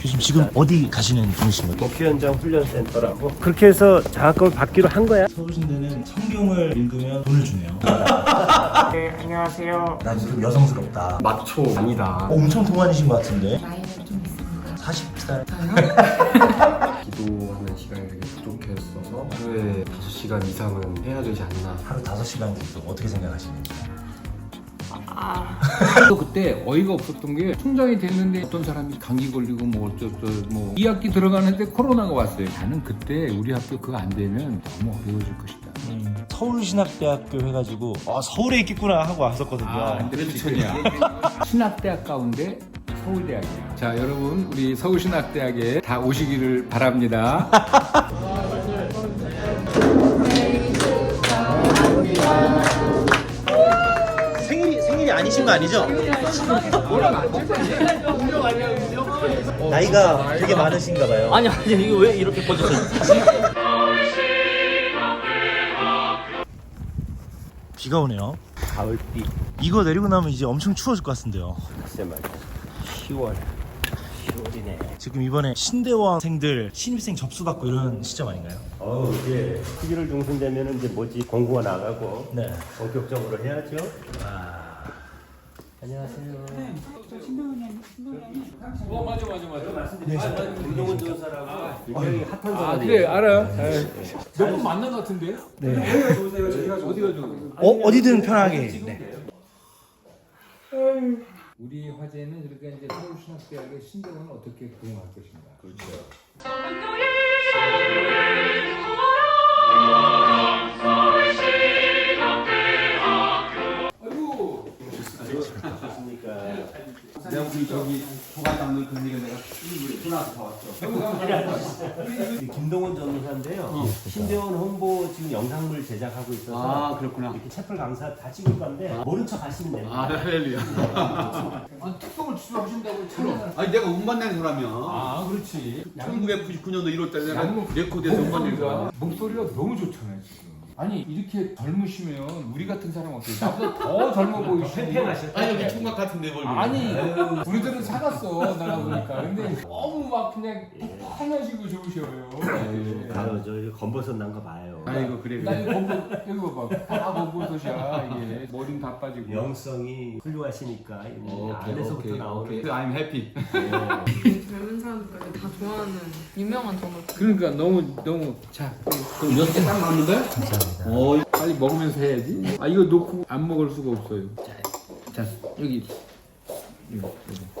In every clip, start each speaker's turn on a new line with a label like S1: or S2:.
S1: 교수님 지금 어디 가시는 중이신 거죠?
S2: 목표 현장 훈련센터라고. 그렇게 해서 장학금을 받기로 한 거야.
S1: 서울신대는 성경을 읽으면 돈을 주네요.
S3: 네, 안녕하세요.
S1: 난 좀 여성스럽다.
S4: 마초 아니다.
S1: 엄청 동안이신 것 같은데?
S3: 나이는 좀 있습니다.
S1: 40살.
S3: 저요?
S4: 기도하는 시간이 되게 부족했어서 하루에 5시간 이상은 해야 되지 않나.
S1: 하루 5시간 정도 어떻게 생각하시는지?
S5: 또 그때 어이가 없었던 게 총장이 됐는데 어떤 사람이 감기 걸리고 뭐 어쩌고 뭐 2학기 들어가는데 코로나가 왔어요. 나는 그때 우리 학교 그거 안 되면 너무 어려워질 것이다.
S1: 서울신학대학교 해가지고 서울에 있겠구나 하고 왔었거든요.
S5: 그렇지야. 신학대학 가운데 서울대학이야. 자, 여러분 우리 서울신학대학에 다 오시기를 바랍니다.
S1: 생일이 아니신 거 아니죠? 나이가 되게 많으신가 봐요.
S6: 아니 이거 왜 이렇게 꺼졌어요?
S1: 비가 오네요.
S2: 가을비.
S1: 이거 내리고 나면 이제 엄청 추워질 것 같은데요.
S2: 글쎄 말이야. 10월이네.
S1: 지금 이번에 신대원생들 신입생 접수 받고 이런 시점 아닌가요?
S2: 이제 11월 중순 되면은 이제 뭐지 공고가 나가고
S1: 네.
S2: 본격적으로 해야죠. 안녕하세요.
S5: 맞아.
S2: 김동훈 전사라고 굉장히 핫한 사람이.
S5: 그래 알아. 몇 번 만난 것 같은데? 네. 어디가 좋은?
S1: 어디든 편하게. 네.
S5: 우리 화제는 그러니까 이제 서울신학대학의 신대원을 어떻게 구성할 것인가. 그렇죠. 아이고. 내가 우리 저기 조각 담는 그 일에 내가 전화서 다 왔죠.
S2: 김동훈 전사인데요. 신대원 홍보 지금 영상물 제작하고 있어서
S4: 그렇구나.
S2: 이렇게 채플 강사 다 찍을 건데 모른 척 하시면 됩니다.
S4: 할렐루야.
S5: 아니 특성을 추구하신다고 참.
S4: 아니 내가 음반 낸 사람이야.
S5: 그렇지.
S4: 1999년도 1월달에 내가
S5: 양목
S4: 레코드에서 음반 낸 거야.
S5: 목소리가 너무 좋잖아요 지금. 아니 이렇게 젊으시면 우리 같은 사람 어때요? 나보다 더 젊어 보이시고.
S4: 아니 여기 총각 같은데 얼굴.
S5: 아니 우리들은 살았어 나가 보니까. 근데 너무 막 그냥 환하시고 좋으셔요.
S2: 바로 저 검버섯 난 거 봐요.
S4: 아이고 그래.
S5: 나 이거 검은 이거 봐봐. 다 검은솥이야 이게. 머리는 다 빠지고.
S2: 영성이 훌륭하시니까 안에서부터 나오는.
S4: I'm happy.
S7: 젊은 사람들이 다 좋아하는 유명한 전업.
S5: 그러니까 너무 자
S4: 그럼 6개 딱 맞는데?
S1: 감사합니다.
S5: 빨리 먹으면서 해야지. 아 이거 놓고 안 먹을 수가 없어요. 자 여기 이거.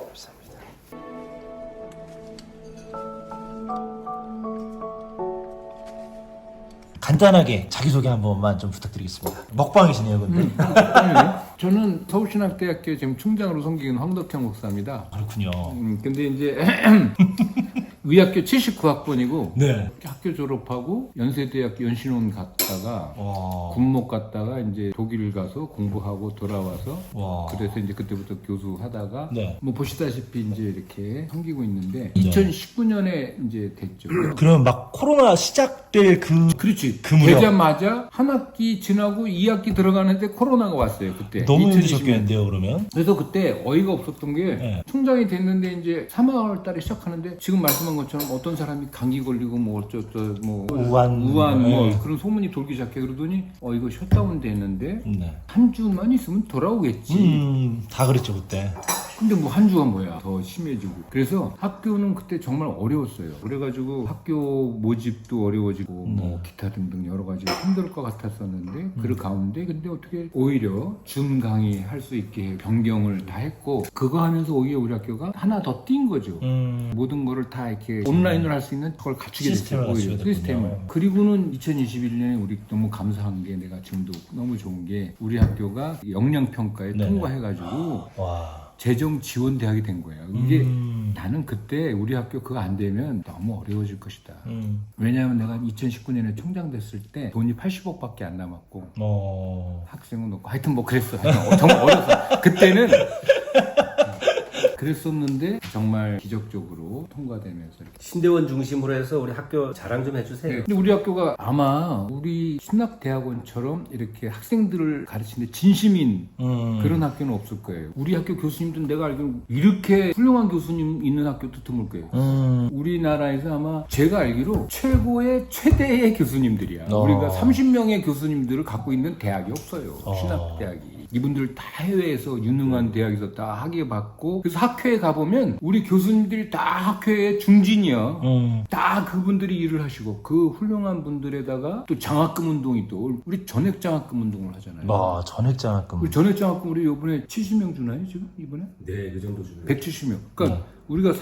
S1: 간단하게 자기소개 한 번만 좀 부탁드리겠습니다. 먹방이시네요, 근데.
S5: 저는 서울신학대학교 지금 총장으로 섬기는 황덕형 목사입니다.
S1: 그렇군요.
S5: 근데 이제 의학교 79학번이고
S1: 네.
S5: 학교 졸업하고 연세대학교 연신원 갔다가
S1: 와.
S5: 군목 갔다가 이제 독일 가서 공부하고 돌아와서
S1: 와.
S5: 그래서 이제 그때부터 교수하다가
S1: 네.
S5: 뭐 보시다시피 이제 이렇게 섬기고 있는데
S1: 네.
S5: 2019년에 이제 됐죠.
S1: 그러면 막 코로나 시작될
S5: 그렇지.
S1: 그 무렵.
S5: 되자마자 한 학기 지나고 2학기 들어가는데 코로나가 왔어요. 그때.
S1: 너무
S5: 2020년.
S1: 힘드셨겠는데요, 그러면?
S5: 그래서 그때 어이가 없었던 게
S1: 네.
S5: 총장이 됐는데 이제 3월 달에 시작하는데 지금 말씀한 것처럼 어떤 사람이 감기 걸리고 뭐 어쩌고 뭐
S1: 우한.
S5: 뭐
S1: 네.
S5: 그런 소문이 돌기 시작해. 그러더니 이거 셧다운 됐는데
S1: 네.
S5: 한 주만 있으면 돌아오겠지.
S1: 다 그랬죠, 그때.
S5: 근데 뭐 한 주가 뭐야 더 심해지고. 그래서 학교는 그때 정말 어려웠어요. 그래가지고 학교 모집도 어려워지고 뭐 기타 등등 여러 가지 힘들 것 같았었는데 그 가운데 근데 어떻게 오히려 줌 강의 할 수 있게 변경을 다 했고 그거 하면서 오히려 우리 학교가 하나 더 뛴 거죠. 모든 거를 다 이렇게 온라인으로 할 수 있는 걸 갖추게
S1: 시스템을
S5: 됐어요. 오히려
S1: 갖추게 됐군요.
S5: 시스템을. 그리고는 2021년에 우리 너무 감사한 게 내가 지금도 너무 좋은 게 우리 학교가 역량평가에
S1: 네네.
S5: 통과해가지고
S1: 와.
S5: 재정 지원 대학이 된 거예요. 이게 나는 그때 우리 학교 그거 안 되면 너무 어려워질 것이다. 왜냐하면 내가 2019년에 총장 됐을 때 돈이 80억밖에 안 남았고 학생은 없고 하여튼 뭐 그랬어. 하여튼 정말 어려서 그때는 그랬었는데 정말 기적적으로 통과되면서 이렇게.
S2: 신대원 중심으로 해서 우리 학교 자랑 좀 해주세요.
S5: 근데 우리 학교가 아마 우리 신학대학원처럼 이렇게 학생들을 가르치는데 진심인 그런 학교는 없을 거예요. 우리 학교 교수님도 내가 알기로 이렇게 훌륭한 교수님 있는 학교도 드물 거예요. 우리나라에서 아마 제가 알기로 최대의 교수님들이야. 우리가 30명의 교수님들을 갖고 있는 대학이 없어요. 신학대학이. 이분들 다 해외에서 유능한 대학에서 다 학위 받고, 그래서 학회에 가보면 우리 교수님들이 다 학회의 중진이야. 다 그분들이 일을 하시고, 그 훌륭한 분들에다가 또 장학금 운동이 또 우리 전액 장학금 운동을 하잖아요.
S1: 와, 전액장학금.
S5: 우리 전액 장학금 우리 이번에 70명 주나요 지금 이번에?
S2: 네, 그 정도 주는.
S5: 170명. 그러니까 우리가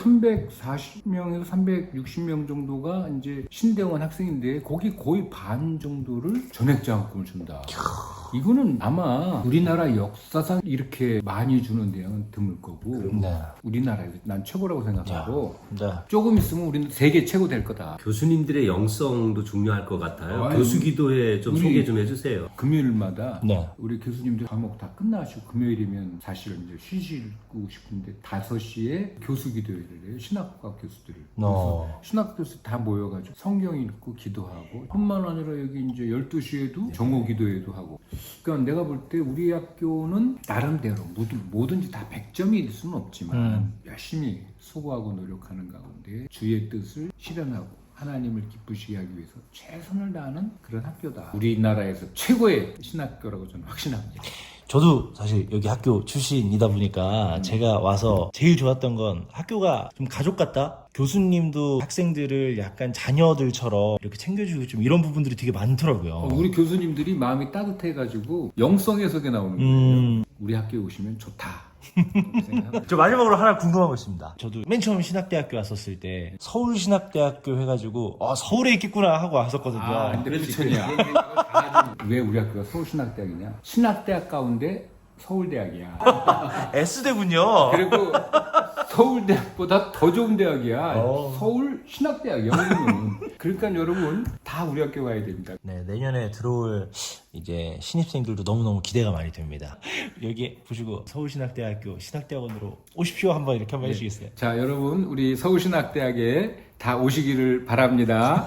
S5: 340명에서 360명 정도가 이제 신대원 학생인데 거기 거의 반 정도를 전액 장학금을 준다. 이거는 아마 우리나라 역사상 이렇게 많이 주는 대학은 드물 거고,
S1: 네.
S5: 우리나라에서 난 최고라고 생각하고,
S1: 네.
S5: 조금 있으면 우리는 세계 최고 될 거다.
S2: 교수님들의 영성도 중요할 것 같아요.
S5: 아유,
S2: 교수 기도회 좀
S5: 우리-
S2: 소개 좀 해주세요.
S5: 금요일마다
S1: 네.
S5: 우리 교수님들 과목 다 끝나시고, 금요일이면 사실 이제 쉬시고 싶은데 5시에 교수 기도회를 해요. 신학과 교수들을. 그래서 신학 교수 다 모여가지고 성경 읽고 기도하고, 뿐만 아니라 여기 이제 12시에도 정오 기도회도 하고. 그러니까 내가 볼 때 우리 학교는 나름대로 뭐든지 다 100점일 수는 없지만 열심히 수고하고 노력하는 가운데 주의 뜻을 실현하고 하나님을 기쁘시게 하기 위해서 최선을 다하는 그런 학교다. 우리나라에서 최고의 신학교라고 저는 확신합니다.
S1: 저도 사실 여기 학교 출신이다 보니까 제가 와서 제일 좋았던 건 학교가 좀 가족 같다? 교수님도 학생들을 약간 자녀들처럼 이렇게 챙겨주고 좀 이런 부분들이 되게 많더라고요.
S5: 우리 교수님들이 마음이 따뜻해가지고 영성 해석에 나오는 거예요. 우리 학교에 오시면 좋다. 생각합니다.
S1: 저 마지막으로 하나 궁금한 거 있습니다. 저도 맨 처음 신학대학교 왔었을 때 서울신학대학교 해가지고 서울에 있겠구나 하고 왔었거든요.
S5: 근데 그렇냐? 왜 우리 학교가 서울신학대학이냐? 신학대학 가운데 서울대학이야.
S1: S대군요.
S5: 그리고 서울대학보다 더 좋은 대학이야. 서울신학대학이야. 여기는. 그러니까 여러분 다 우리 학교 와야 됩니다.
S1: 네, 내년에 들어올 이제 신입생들도 너무너무 기대가 많이 됩니다. 여기 보시고 서울신학대학교 신학대학원으로 오십시오 한번 이렇게 한번 해주시겠어요?
S5: 자, 여러분 우리 서울신학대학에 다 오시기를 바랍니다.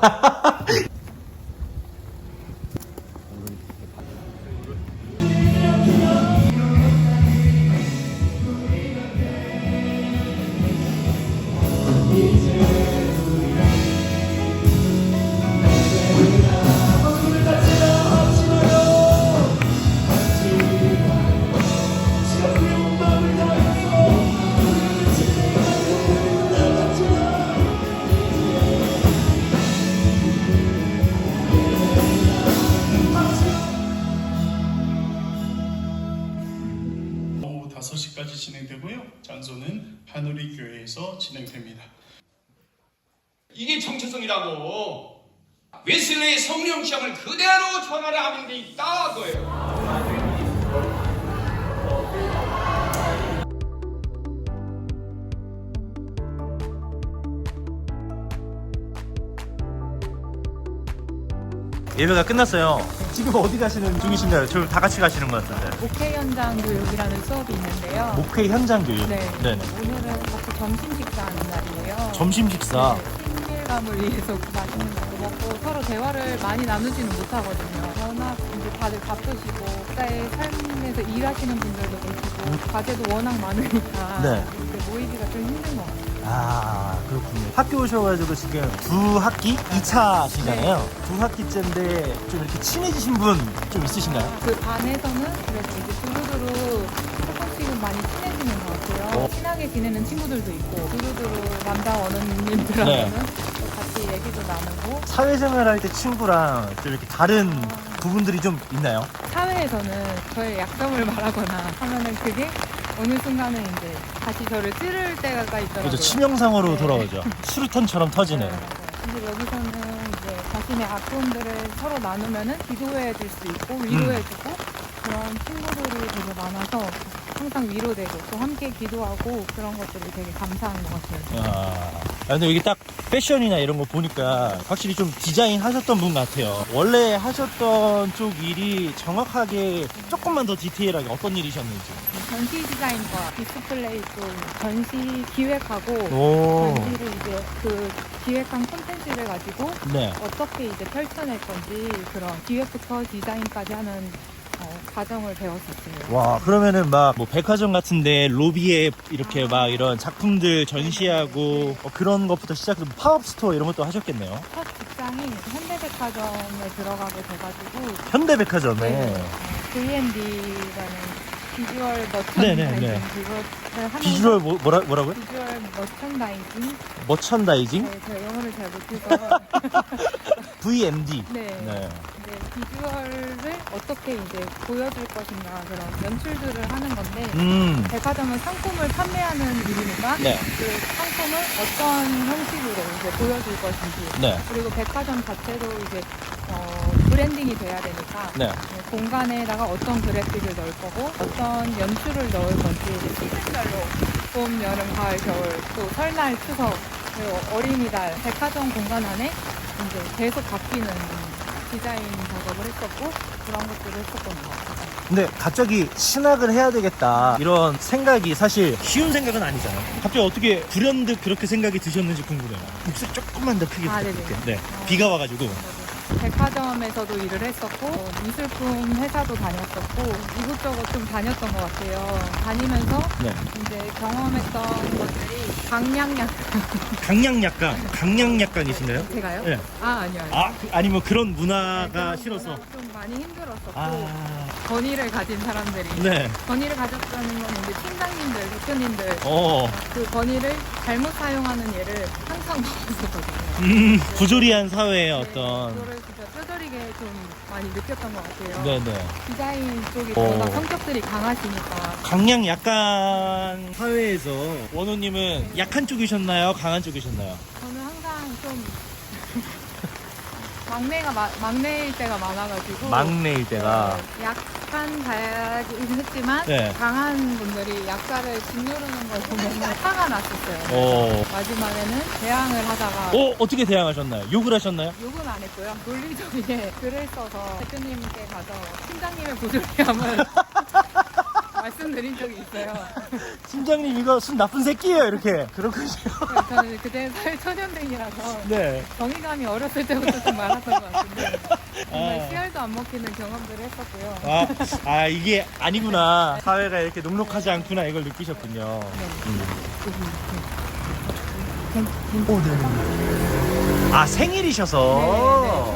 S6: 오후 5시까지 진행되고요. 장소는 하누리 교회에서 진행됩니다.
S8: 이게 정체성이라고. 웨슬레의 성령 시험을 그대로 전하려 하는 데 있다 그거예요.
S1: 예배가 끝났어요. 지금 어디 가시는 중이신가요? 저 다 같이 가시는 것 같은데.
S9: 목회 현장 교육이라는 수업이 있는데요.
S1: 목회 현장 교육.
S9: 네.
S1: 네네.
S9: 오늘은 같이 점심 식사하는 날이에요.
S1: 점심 식사.
S9: 네, 친밀감을 위해서 맛있는 거 먹고 서로 대화를 많이 나누지는 못하거든요. 워낙 이제 다들 바쁘시고 각자의 삶에서 일하시는 분들도 계시고 과제도 워낙 많으니까
S1: 네.
S9: 이렇게 모이기가 좀 힘든 것 같아요.
S1: 아, 그렇군요. 학교 오셔가지고 지금 두 학기 2차시잖아요. 두 학기째인데 좀 이렇게 친해지신 분 좀 있으신가요?
S9: 그 반에서는 그래도 이제 두루두루 조금씩은 많이 친해지는 것 같아요. 친하게 지내는 친구들도 있고 두루두루 남자 원어민님들하고는 같이 얘기도 나누고.
S1: 사회생활 할 때 친구랑 좀 이렇게 다른 부분들이 좀 있나요?
S9: 사회에서는 저의 약점을 말하거나 하면은 그게 어느 순간에 이제 다시 저를 찌를 때가 있더라고요.
S1: 그렇죠. 치명상으로
S9: 네.
S1: 돌아오죠. 수류탄처럼 터지는.
S9: 네, 맞아요. 근데 여기서는 이제 자신의 아픔들을 서로 나누면은 기도해 줄 수 있고 위로해 주고 그런 친구들이 되게 많아서 항상 위로되고 또 함께 기도하고 그런 것들이 되게 감사한 것 같아요.
S1: 근데 여기 딱 패션이나 이런 거 보니까 확실히 좀 디자인 하셨던 분 같아요. 원래 하셨던 쪽 일이 정확하게 조금만 더 디테일하게 어떤 일이셨는지.
S9: 전시 디자인과 디스플레이 쪽 전시 기획하고
S1: 오.
S9: 전시를 이제 그 기획한 콘텐츠를 가지고
S1: 네.
S9: 어떻게 이제 펼쳐낼 건지 그런 기획부터 디자인까지 하는 과정을 배웠었어요.
S1: 와, 그러면은 막 뭐 백화점 같은데 로비에 이렇게 막 이런 작품들 전시하고 그런 것부터 시작해서 팝업 스토어 이런 것도 하셨겠네요.
S9: 첫 직장이 현대백화점에 들어가게 돼가지고
S1: 현대백화점에
S9: V&D라는 비주얼
S1: 네네네.
S9: 머천다이징 그거를 하면서
S1: 비주얼 뭐라고요?
S9: 비주얼 머천다이징
S1: 머천다이징?
S9: 네, 제가 영어를 잘 못해서
S1: VMD.
S9: 네.
S1: 네.
S9: 이제 비주얼을 어떻게 이제 보여줄 것인가 그런 연출들을 하는 건데 백화점은 상품을 판매하는 일이니까
S1: 네.
S9: 그 상품을 어떤 형식으로 이제 보여줄 것인지
S1: 네.
S9: 그리고 백화점 자체도 이제 브랜딩이 돼야 되니까
S1: 네.
S9: 공간에다가 어떤 그래픽을 넣을 거고 어떤 연출을 넣을 건지 시즌별로 봄, 여름, 가을, 겨울 또 설날, 추석 그리고 어린이날 백화점 공간 안에 이제 계속 바뀌는 디자인 작업을 했었고 그런 것들을 했었던 것 같아요.
S1: 근데 갑자기 신학을 해야 되겠다 이런 생각이 사실 쉬운 생각은 아니잖아요. 갑자기 어떻게 불현듯 그렇게 생각이 드셨는지 궁금해요. 목소리 조금만 더 크게 부탁드릴게요. 네. 비가 와가지고.
S9: 백화점에서도 일을 했었고 미술품 회사도 다녔었고 이곳저곳 좀 다녔던 것 같아요. 다니면서
S1: 네.
S9: 이제 경험했던 것들이
S1: 강량약강이신가요?
S9: 제가요?
S1: 네.
S9: 아니요.
S1: 아니면 그런 문화가 싫어서.
S9: 좀 많이 힘들었었고
S1: 아,
S9: 권위를 가진 사람들이
S1: 네.
S9: 권위를 가졌다는 건 이제 팀장님들, 대표님들
S1: 어,
S9: 그 권위를 잘못 사용하는 예를 항상 봤었거든요.
S1: 부조리한 사회의 어떤.
S9: 그거를 진짜 뼈저리게 좀 많이 느꼈던 것 같아요.
S1: 네네.
S9: 디자인 쪽이
S1: 어.
S9: 워낙 성격들이 강하시니까
S1: 강약약한 사회에서 원호님은 약한 쪽이셨나요? 강한 쪽이셨나요?
S9: 저는 항상 좀 막내일 때가 많아가지고
S1: 막내일 때가.
S9: 약한 자야긴 했지만
S1: 네.
S9: 강한 분들이 약자를 짓누르는 걸 보면 화가 났었어요.
S1: 어.
S9: 마지막에는 대항을 하다가
S1: 어떻게 대항하셨나요? 욕을 하셨나요?
S9: 욕은 안 했고요. 논리적이게 글을 써서 대표님께 가서 팀장님의 부조리함을 말씀드린 적이 있어요.
S1: 팀장님 이거 술 나쁜 새끼예요 이렇게. 그렇군요.
S9: 저는 그때 사회초년생이라서
S1: 네.
S9: 정의감이 어렸을 때부터 좀 많았던 것 같은데 정말
S1: 아.
S9: 씨알도 안 먹히는 경험들을 했었고요.
S1: 이게 아니구나. 사회가 이렇게 녹록하지 않구나 이걸 느끼셨군요. 오, 네. 생일이셔서.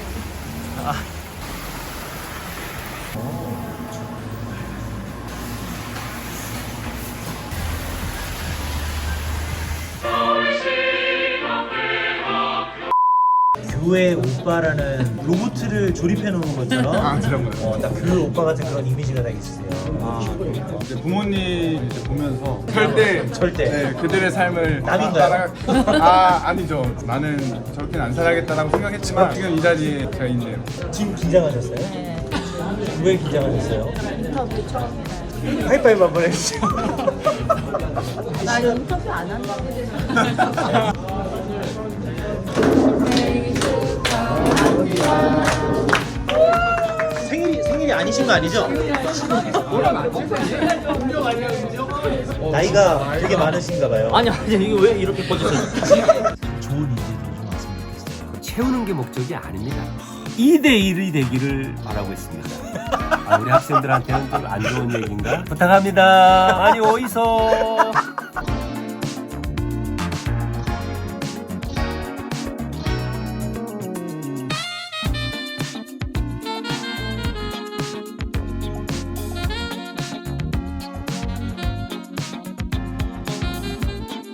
S1: 교회 오빠라는 로봇을 조립해 놓은 것처럼
S10: 그런 거요.
S1: 딱 그 오빠 같은 그런 이미지가 딱 있으세요.
S10: 이제 부모님 이제 보면서 절대 네, 그들의 삶을
S1: 남인가요?
S10: 아니죠. 나는 저렇게는 안 살아야겠다라고 생각했지만 지금 이 자리에 제가 있네요.
S1: 지금 긴장하셨어요? 네. 왜 긴장하셨어요? 인터뷰 처음이라. 하이파이브 한번 해주세요.
S9: 나 인터뷰 안 한다고.
S1: 생일이 아니신 거 아니죠? 나이가 되게 많으신가 봐요.
S2: 아니 이게 왜 이렇게 꺼졌어요?
S1: 좋은 인재들을 좀 왔으면 좋겠어요.
S2: 채우는 게 목적이 아닙니다. 2대1이 되기를 바라고 있습니다. 우리 학생들한테는 좀 안 좋은 얘기인가? 부탁합니다. 많이 어디서